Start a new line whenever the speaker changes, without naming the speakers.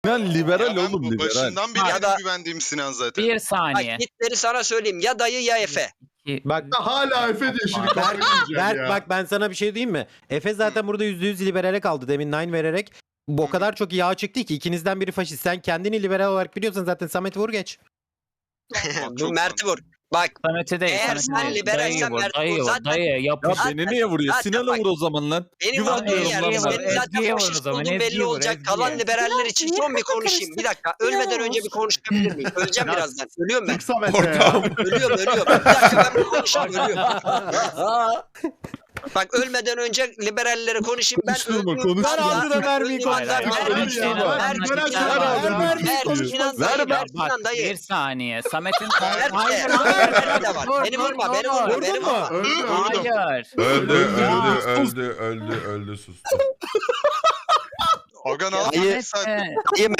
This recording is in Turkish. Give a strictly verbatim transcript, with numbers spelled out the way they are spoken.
Sinan liberal
Ya ben
oğlum
bu
liberal.
başından beri
Ya
en
da-
güvendiğim Sinan zaten.
Bir
Bak
saniye.
gitleri sana söyleyeyim. Ya dayı ya Efe.
İki-
Bak
Hala Efe diyor şimdi
Berk,
kafayı yiyeceğim
Berk
ya.
bak ben sana bir şey diyeyim mi? Efe zaten burada yüzde yüz liberale kaldı demin nine vererek. Bu o kadar çok yağ çıktı ki ikinizden biri faşist. Sen kendini liberal olarak biliyorsan zaten Samet'i vur geç.
Çok
Bu Mert'i vur. Bak
Samet'e değil.
Eğer
Samet'e
sen
değil.
liberalsen
Dayıyı vur,
Mert
dayıyı
vur.
vur,
Zaten-
dayı
Ya
yapış.
Zaten-
beni niye vuruyor?
zaten
Sinan'a
bak-
vur o zaman lan.
benim vurduğum
Ezgi'ye
yer.
vur,
Senin zaten
Ezgi'ye vur o
faşist
zaman,
olduğun belli
Ezgi'ye vur,
olacak.
Ezgi'ye.
Kalan liberaller için
Sinan,
son bir
niye
konuşayım. Bir
karıştın?
dakika. Ölmeden önce bir
olsun.
konuşabilir miyim? Öleceğim
Biraz.
birazdan. Ölüyorum ben.
Çık Samet'e ya.
Ortam.
Ölüyorum ölüyorum. Bir dakika ben bir konuşayım ölüyorum. Bak ölmeden önce liberallere konuşayım. Ben
Konuşturma,
öldüğüm
konuşturma.
anda-
Ver ağzına mermiyi,
öldüğüm anda
konuşturma.
Mert-
Ver
Mert-
ya,
Mert-
ver,
Mert-
ver,
Sinan
ver,
dayı,
ver,
Mert-
ver,
Mert-
ver,
Sinan
ver,
dayı,
ver.
Mert-
Bak
Sinan dayı.
bir saniye. Samet'in
Mert
Hayır,
de,
hayır,
Mert de var.
dur,
Beni
dur,
vurma, beni
dur.
vurma,
Vurdun
beni
mu?
vurma.
Öldü öldü.
Hayır.
Öldü,
Ya,
öldü, öldü, öldü, öldü, sustu.
Aga ne
Dayı-
yapıyorsun sen?
Samet'e-
Dayı